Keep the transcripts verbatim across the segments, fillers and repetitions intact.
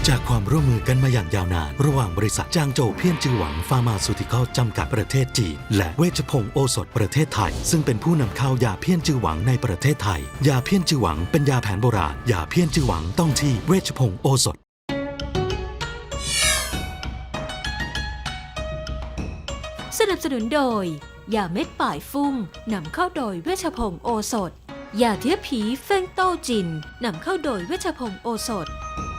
จากความร่วมมือกันมาอย่างยาวนานระหว่างบริษัทจางโจวเพี้ยนจือหวังฟาร์มาซูติคอลจำกัดประเทศจีนและเวชพงศ์โอสถประเทศไทยซึ่งเป็นผู้นำเข้ายาเพี้ยนจือหวังในประเทศไทยยาเพี้ยนจือหวังเป็นยาแผนโบราณยาเพี้ยนจือหวังต้องที่เวชพงศ์โอสถสนับสนุนโดยยาเม็ดป่ายฟุ้งนำเข้าโดยเวชพงศ์โอสถยาเทียบผีเฟงโต้จินนำเข้าโดยเวชพงศ์โอสถ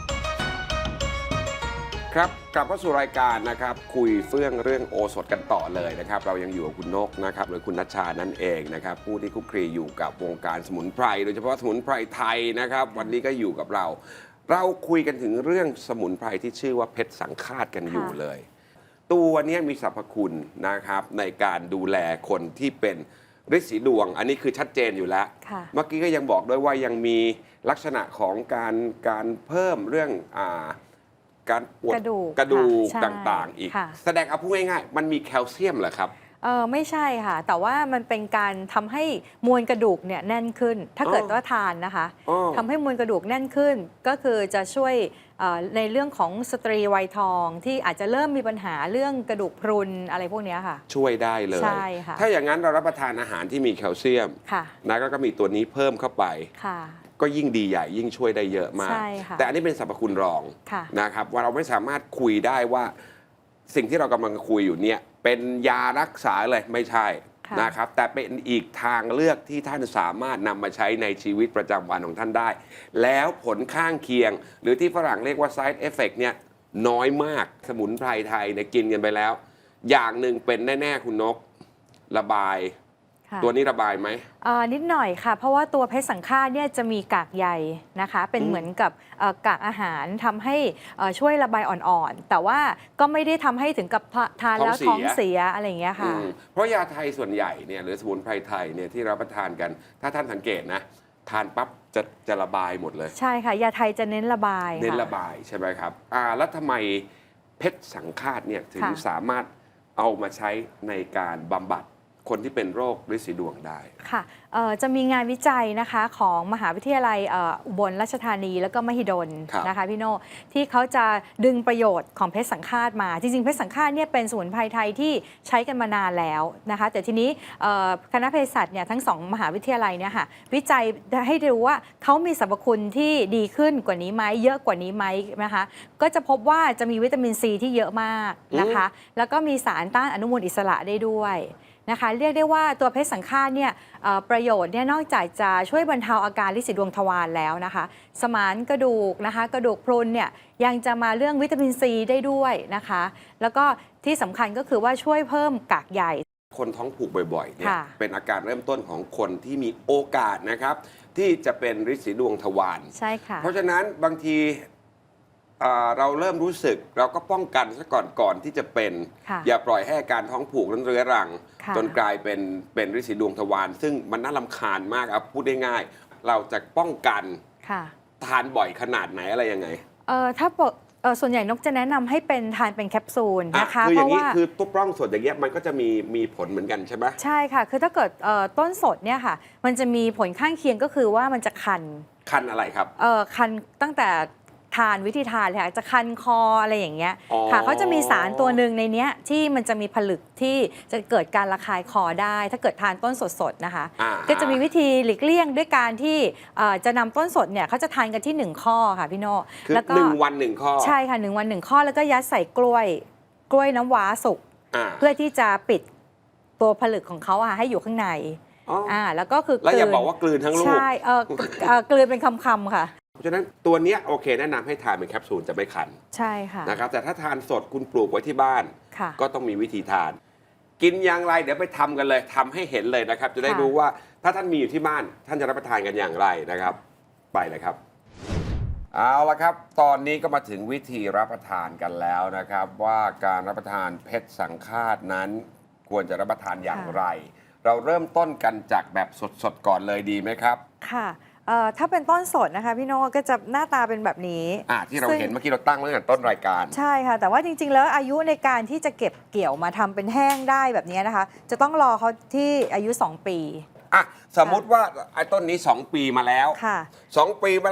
ครับกลับมาสู่รายการนะครับคุยเฟื่องเรื่องโอสถกันต่อเลยนะครับเรายังอยู่กับคุณนกนะครับหรือคุณนัชชานั่นเองนะครับผู้ที่คุกคีอยู่กับวงการสมุนไพรโดยเฉพาะสมุนไพรไทยนะครับวันนี้ก็อยู่กับเรา เราคุยกันถึงเรื่องสมุนไพรที่ชื่อว่าเพชรสังฆาตกันอยู่เลยตัวนี้มีสรรพคุณนะครับในการดูแลคนที่เป็นฤทธิ์สีดวงอันนี้คือชัดเจนอยู่แล้วเมื่อกี้ก็ยังบอกด้วยว่ายังมีลักษณะของการการเพิ่มเรื่องอ่าการปวดกระดูกต่างๆอีกแสดงเอาพูดง่ายๆมันมีแคลเซียมเหรอครับเออไม่ใช่ค่ะแต่ว่ามันเป็นการทำให้มวลกระดูกเนี่ยแน่นขึ้นถ้าเกิดว่าทานนะคะทำให้มวลกระดูกแน่นขึ้นก็คือจะช่วยในเรื่องของสตรีวัยทองที่อาจจะเริ่มมีปัญหาเรื่องกระดูกพรุนอะไรพวกนี้ค่ะช่วยได้เลยใช่ค่ะถ้าอย่างนั้นเรารับประทานอาหารที่มีแคลเซียมนะก็มีตัวนี้เพิ่มเข้าไปก็ยิ่งดีใหญ่ยิ่งช่วยได้เยอะมากแต่อันนี้เป็นสรรพคุณรองนะครับว่าเราไม่สามารถคุยได้ว่าสิ่งที่เรากำลังคุยอยู่เนี่ยเป็นยารักษาเลยไม่ใช่นะครับแต่เป็นอีกทางเลือกที่ท่านสามารถนำมาใช้ในชีวิตประจำวันของท่านได้แล้วผลข้างเคียงหรือที่ฝรั่งเรียกว่า side effect เนี่ยน้อยมากสมุนไพรไทยเนี่ยกินกันไปแล้วอย่างหนึ่งเป็นแน่ๆคุณนกระบายตัวนี้ระบายไหมนิดหน่อยค่ะเพราะว่าตัวเพชรสังฆาตเนี่ยจะมีกากใยนะคะเป็นเหมือนกับกากอาหารทำให้ช่วยระบายอ่อนๆแต่ว่าก็ไม่ได้ทำให้ถึงกับทานแล้วท้องเสียอะไรอย่างเงี้ยค่ะเพราะยาไทยส่วนใหญ่เนี่ยหรือสมุนไพรไทยเนี่ยที่รับประทานกันถ้าท่านสังเกตนะทานปั๊บจะจะระบายหมดเลยใช่ค่ะยาไทยจะเน้นระบายเน้นระบายใช่ไหมครับอ่าแล้วทำไมเพชรสังฆาตเนี่ยถึงสามารถเอามาใช้ในการบำบัดคนที่เป็นโรคฤทธิ์สีดวงได้ค่ะจะมีงานวิจัยนะคะของมหาวิทยาลัยอุบลราชธานีแล้วก็มหิดลนะคะพี่โน่ที่เขาจะดึงประโยชน์ของเพชรสังฆาตมาจริงๆเพชรสังฆาตเนี่ยเป็นสมุนไพรไทยที่ใช้กันมานานแล้วนะคะแต่ทีนี้คณะเภสัชเนี่ยทั้งสองมหาวิทยาลัยเนี่ยค่ะวิจัยให้ดูว่าเขามีสรรพคุณที่ดีขึ้นกว่านี้ไหมเยอะกว่านี้ไหมนะคะก็จะพบว่าจะมีวิตามินซีที่เยอะมากนะคะแล้วก็มีสารต้านอนุมูลอิสระได้ด้วยนะคะเรียกได้ว่าตัวเพชรสังฆาตเนี่ยประโยชน์เนี่ยนอกจากจะช่วยบรรเทาอาการฤทธิ์สีดวงทวารแล้วนะคะสมานกระดูกนะคะกระดูกพรุนเนี่ยยังจะมาเรื่องวิตามินซีได้ด้วยนะคะแล้วก็ที่สำคัญก็คือว่าช่วยเพิ่มกากใยคนท้องผูกบ่อยๆเนี่ยเป็นอาการเริ่มต้นของคนที่มีโอกาสนะครับที่จะเป็นฤทธิ์สีดวงทวารใช่ค่ะเพราะฉะนั้นบางทีเราเริ่มรู้สึกเราก็ป้องกันซะก่อนก่อนที่จะเป็นอย่าปล่อยให้อาการท้องผูกนั้นเรื้อรังจนกลายเป็นเป็นฤทธิ์สีดวงทวารซึ่งมันน่ารำคาญมากครับพูดได้ง่ายเราจะป้องกันทานบ่อยขนาดไหนอะไรยังไงเออถ้าส่วนใหญ่นกจะแนะนำให้เป็นทานเป็นแคปซูลนะคะเพราะว่าคือตุ๊บร่องสดอย่างเงี้ยมันก็จะมีมีผลเหมือนกันใช่ไหมใช่ค่ะคือถ้าเกิดต้นสดเนี่ยค่ะมันจะมีผลข้างเคียงก็คือว่ามันจะคันคันอะไรครับเออคันตั้งแต่ทานวิธีทานเลยค่ะจะคันคออะไรอย่างเงี้ยค่ะเขาจะมีสารตัวหนึ่งในเนี้ยที่มันจะมีผลึกที่จะเกิดการระคายคอได้ถ้าเกิดทานต้นสดๆนะคะก็จะมีวิธีหลีกเลี่ยงด้วยการที่จะนำต้นสดเนี่ยเขาจะทานกันที่หนึ่งข้อค่ะพี่โน่แล้วก็หนึ่งวันหนึ่งข้อใช่ค่ะหนึ่งวันหนึ่งข้อแล้วก็ยัดใส่กล้วยกล้วยน้ำว้าสุกเพื่อที่จะปิดตัวผลึกของเขาให้อยู่ข้างในอ่าแล้วก็คือแล้วอย่าบอกว่ากลืนทั้งลูกใช่เออกลืนเป็นคำๆค่ะเพราะฉะนั้นตัวนี้โอเคแนะนำให้ทานเป็นแคปซูลจะไม่คันใช่ค่ะนะครับแต่ถ้าทานสดคุณปลูกไว้ที่บ้านก็ต้องมีวิธีทานกินอย่างไรเดี๋ยวไปทำกันเลยทำให้เห็นเลยนะครับจะได้รู้ว่าถ้าท่านมีอยู่ที่บ้านท่านจะรับประทานกันอย่างไรนะครับไปเลยครับเอาละครับตอนนี้ก็มาถึงวิธีรับประทานกันแล้วนะครับว่าการรับประทานเพชรสังฆาตนั้นควรจะรับประทานอย่างไรเราเริ่มต้นกันจากแบบสดๆก่อนเลยดีไหมครับค่ะถ้าเป็นต้นสดนะคะพี่โน่ก็จะหน้าตาเป็นแบบนี้อ่าที่เราเห็นเมื่อกี้เราตั้งไว้ตั้งแต่ต้นรายการใช่ค่ะแต่ว่าจริงๆแล้วอายุในการที่จะเก็บเกี่ยวมาทำเป็นแห้งได้แบบนี้นะคะจะต้องรอเขาที่อายุสองปีอ่ะสมมุติว่าไอ้ต้นนี้สองปีมาแล้วค่ะสองปีมาแล้ว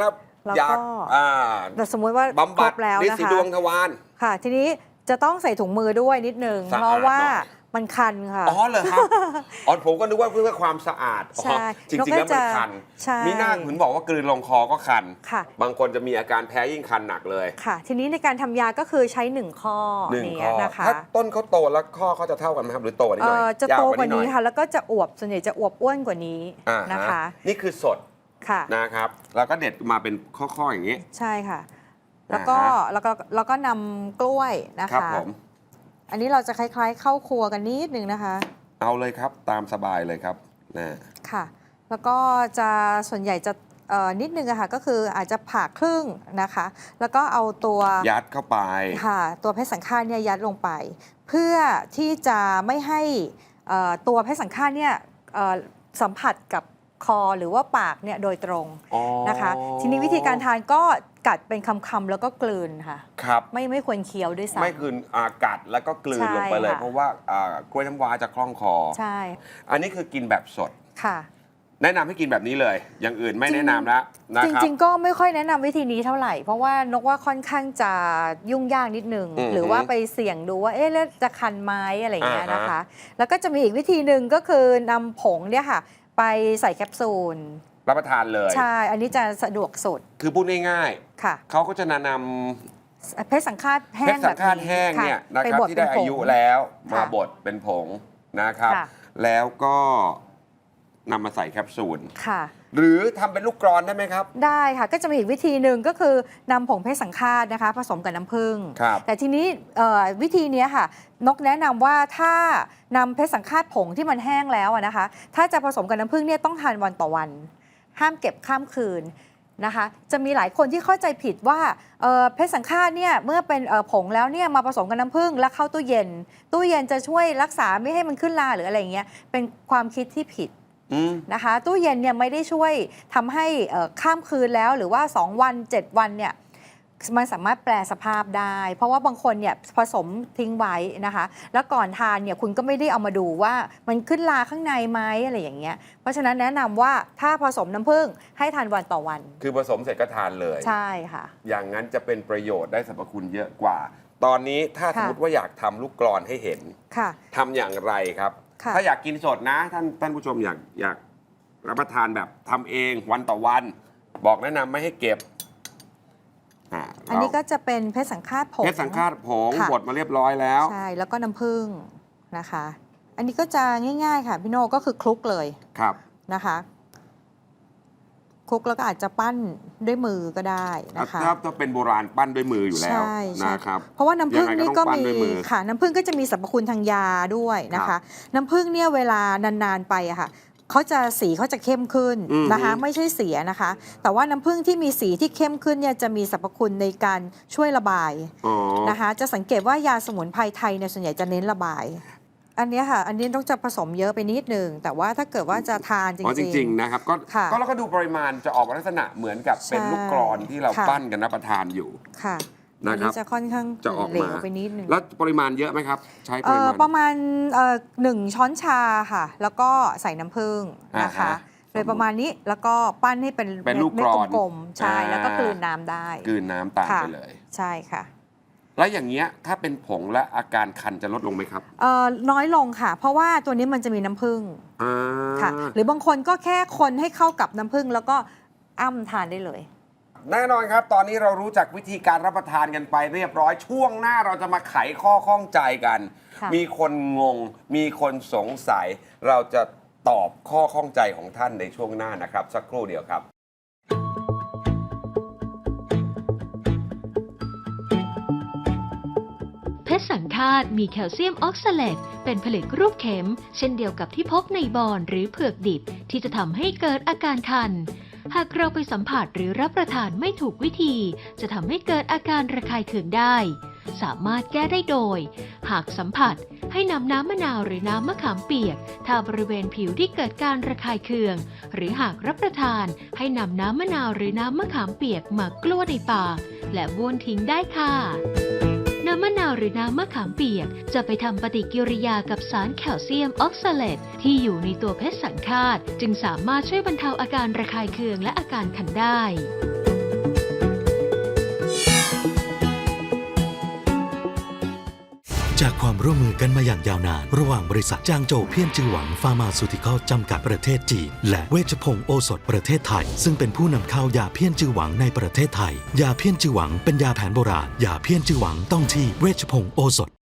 แล้วยาก็อ่าแต่สมมุติว่าบำครบัดบแล้วฤทนะธิ์สีคะดวงทวารค่ะ ทีนี้จะต้องใส่ถุงมือด้วยนิดนึงสะอาดเพราะว่าหน่อยมันคันค่ะอ๋อเหรอครับ อ๋อผมก็นึกว่าเพื่อความสะอาดอ๋อใช่จริงๆแล้วมันคันใช่มีหน้าคุณบอกว่ากลืนลงคอก็คันค่ะบางคนจะมีอาการแพ้ยิ่งคันหนักเลยค่ะ ทีนี้ในการทำยาก็คือใช้หนึ่งข้อหนึ่งนี้ข้อนะคะถ้าต้นเขาโตแล้วข้อเขาจะเท่ากันไหมครับหรือโตกว่านี้เอ่หน่อยอจะยโตวกว่านี้หอยค่ะ แล้วก็จะอวบส่วนใหญ่จะอวบอ้วนกว่านี้อ่าฮนะคะนี่คือสดค่ะนะครับแล้วก็เด็ดมาเป็นข้อๆอย่างนี้ใช่ค่ะ แล้วก็อ่าฮะแล้วก็แล้วก็นำกล้วยนะครัคะผมอันนี้เราจะคล้ายๆเข้าครัวกันนิดนึงนะคะเอาเลยครับตามสบายเลยครับนะค่ะ แล้วก็จะส่วนใหญ่จะเอ่อนิดนึงอะค่ะก็คืออาจจะผ่าครึ่งนะคะ แล้วก็เอาตัวยัดเข้าไปค่ะตัวเพชรสังฆาตเนี่ยยัดลงไป เพื่อที่จะไม่ให้เอ่อตัวเพชรสังฆาตเนี่ยเอ่อสัมผัสกับคอหรือว่าปากเนี่ยโดยตรงอ๋อนะคะ ทีนี้วิธีการทานก็กัดเป็นคำๆแล้วก็กลืนค่ะครับไม่ไม่ควรเคี้ยวด้วยซ้ำไม่คืนอากัดแล้วก็กลืนใช่ลงไปเลยค่ะเพราะว่าอ่ากล้วยน้ำว้าจะคล่องคอใช่อันนี้คือกินแบบสดค่ะแนะนำให้กินแบบนี้เลย อย่างอื่นไม่แนะนำแล้วนะจครับริงๆ ก็ไม่ค่อยแนะนำวิธีนี้เท่าไหร่ เพราะว่านกว่าค่อนข้างจะยุ่งยากนิดนึงอือฮึหรือว่าไปเสี่ยงดูว่าเอ๊ะแล้วจะคันไหม้อะไรอย่างเงี้ยอ่าฮะนะคะ แล้วก็จะมีอีกวิธีหนึ่งก็คือนำผงเนี่ยค่ะ ไปใส่แคปซูลรับประทานเลยใช่ อันนี้จะสะดวกสุดคือพูดง่ายค่ะๆเขาก็จะแนะนเพชรสังฆาตำแห้เพงชรสัแบงบฆาตนี้แห้งเนี่ยค่ะนะไปครับบดที่เป็ได้นผอาง ยุแล้วมาค่ะบดเป็นผงนะครับค่ะแล้วก็นำมาใส่แคปซูลค่ะหรือทำเป็นลูกกรอนได้ไหมครับได้ค่ะ ก็จะมีอีกวิธีหนึ่งก็คือนำผงเพชรสังฆาตนะคะ ผสมกับน้ำผึ้งครับแต่ทีนี้เอ่อวิธีเนี้ยค่ะ นกแนะนำว่าถ้านำเพชรสังฆาตผงที่มันแห้งแล้วอะนะคะ ถ้าจะผสมกับน้ำผึ้งเนี่ยต้องทานวันต่อวัน ห้ามเก็บข้ามคืนนะคะ จะมีหลายคนที่เข้าใจผิดว่าเอ่อเพชรสังฆาตเนี่ยเมื่อเป็นเอ่อผงแล้วเนี่ยมาผสมกับน้ำผึ้งแล้วเข้าตู้เย็น ตู้เย็นจะช่วยรักษาไม่ให้มันขึ้นราหรืออะไรอย่างเงี้ยเป็นความคิดที่ผิดอืมนะคะตู้เย็นเนี่ยไม่ได้ช่วยทำให้เอ่อข้ามคืนแล้วหรือว่า สอง วัน เจ็ด วันเนี่ยมันสามารถแปลสภาพได้ เพราะว่าบางคนเนี่ยผสมทิ้งไว้นะคะแล้วก่อนทานเนี่ยคุณก็ไม่ได้เอามาดูว่ามันขึ้นราข้างในไหมอะไรอย่างเงี้ยเพราะฉะนั้นแนะนำว่าถ้าผสมน้ำผึ้งให้ทานวันต่อวันคือผสมเสร็จก็ทานเลยใช่ค่ะอย่างนั้นจะเป็นประโยชน์ได้สรรพคุณเยอะกว่า ตอนนี้ถ้าสมค่ะมติว่าอยากทำลูกกรอนให้เห็นค่ะทำอย่างไรครับค่ะถ้าอยากกินสดนะท่านท่านผู้ชมอยากอยากรับประทานแบบทำเองวันต่อวัน บอกแนะนำไม่ให้เก็บอ่าอันนี้ก็จะเป็นเพชรสังฆาตผงเพชรสังฆาตผงค่ะบดมาเรียบร้อยแล้วใช่แล้วก็น้ำผึ้งนะคะ อันนี้ก็จะง่ายๆค่ะพี่โน่ก็คือคลุกเลยครับนะคะคลุกแล้วก็อาจจะปั้นด้วยมือก็ได้นะคะถ้าถ้าเป็นโบราณปั้นด้วยมืออยู่แล้วใช่ใช่นะครับเพราะว่าน้ำผึ้งนี่ก็ยังไงก็ต้องปั้นมีด้วยมือค่ะน้ำผึ้งก็จะมีสรรพคุณทางยาด้วยนะครัคะบน้ำผึ้งเนี่ยเวลานานๆไปอะค่ะเขาจะสีเขาจะเข้มขึ้นอือฮึนะคะ ไม่ใช่เสียนะคะ แต่ว่าน้ำผึ้งที่มีสีที่เข้มขึ้นเนี่ยจะมีสรรพคุณในการช่วยระบายอ๋อนะคะ จะสังเกตว่ายาสมุนไพรไทยเนี่ยส่วนใหญ่จะเน้นระบาย อันเนี้ยค่ะ อันนี้ต้องจะผสมเยอะไปนิดนึงแต่ว่าถ้าเกิดว่าจะทานจริงอ๋อจริง ๆ นะครับ ก็ค่ะก็แล้วก็ดูปริมาณจะออกมาลักษณะเหมือนกับเป็นใช่ลูกกรอนที่เราค่ะปั้นกันรับประทานอยู่ค่ะนะอันครันี้บจะค่อนข้างจะออกเหลมาวไปนิดนึงแล้วปริมาณเยอะไหมครับ ใช้ปเอ่ริอมาณประมาณเอ่อหนึ่งช้อนชาค่ะ แล้วก็ใส่น้ำผึ้งนะคะอ่าฮะโดยประมาณนี้แล้วก็ปั้นให้เป็นเป็นลูกม็ดกรอนกลมๆใช่อ่าแล้วก็กลืนน้ำได้กลืนน้ำตามค่ะไปเลยใช่ค่ะแล้วอย่างเงี้ยถ้าเป็นผงและอาการคันจะลดลงไหมครับเอ่อน้อยลงค่ะ เพราะว่าตัวนี้มันจะมีน้ำผึ้งอ่าค่ะ หรือบางคนก็แค่คนให้เข้ากับน้ำผึ้งแล้วก็อ้ำทานได้เลยแน่นอนครับ ตอนนี้เรารู้จักวิธีการรับประทานกันไปเรียบร้อยช่วงหน้าเราจะมาไขข้อข้องใจกันค่ะมีคนงง มีคนสงสัย เราจะตอบข้อข้องใจของท่านในช่วงหน้านะครับ สักครู่เดียวครับเพชรสังฆาตมีแคลเซียมออกซาเลตเป็นผลึกรูปเข็ม เช่นเดียวกับที่พบในบอนหรือเผือกดิบที่จะทำให้เกิดอาการคัน หากเราไปสัมผัสหรือรับประทานไม่ถูกวิธี จะทำให้เกิดอาการระคายเคืองได้ สามารถแก้ได้โดย หากสัมผัสให้นำน้ำมะนาวหรือน้ำมะขามเปียกทาบริเวณผิวที่เกิดการระคายเคือง หรือหากรับประทานให้นำน้ำมะนาวหรือน้ำมะขามเปียกมากลั้วในปากและบ้วนทิ้งได้ค่ะ น้ำมะนาวหรือน้ำมะขามเปียกจะไปทำปฏิกิริยากับสารแคลเซียมออกซาเลตที่อยู่ในตัวเพชรสังฆาตจึงสามารถช่วยบรรเทาอาการระคายเคืองและอาการคันได้จากความร่วมมือกันมาอย่างยาวนานระหว่างบริษัทจางโจวเพี้ยนจือหวังฟาร์มาซูติคอลจำกัดประเทศจีนและเวชพงศ์โอสถประเทศไทยซึ่งเป็นผู้นำเข้ายาเพี้ยนจือหวังในประเทศไทยยาเพี้ยนจือหวังเป็นยาแผนโบราณยาเพี้ยนจือหวังต้องที่เวชพงศ์โอสถ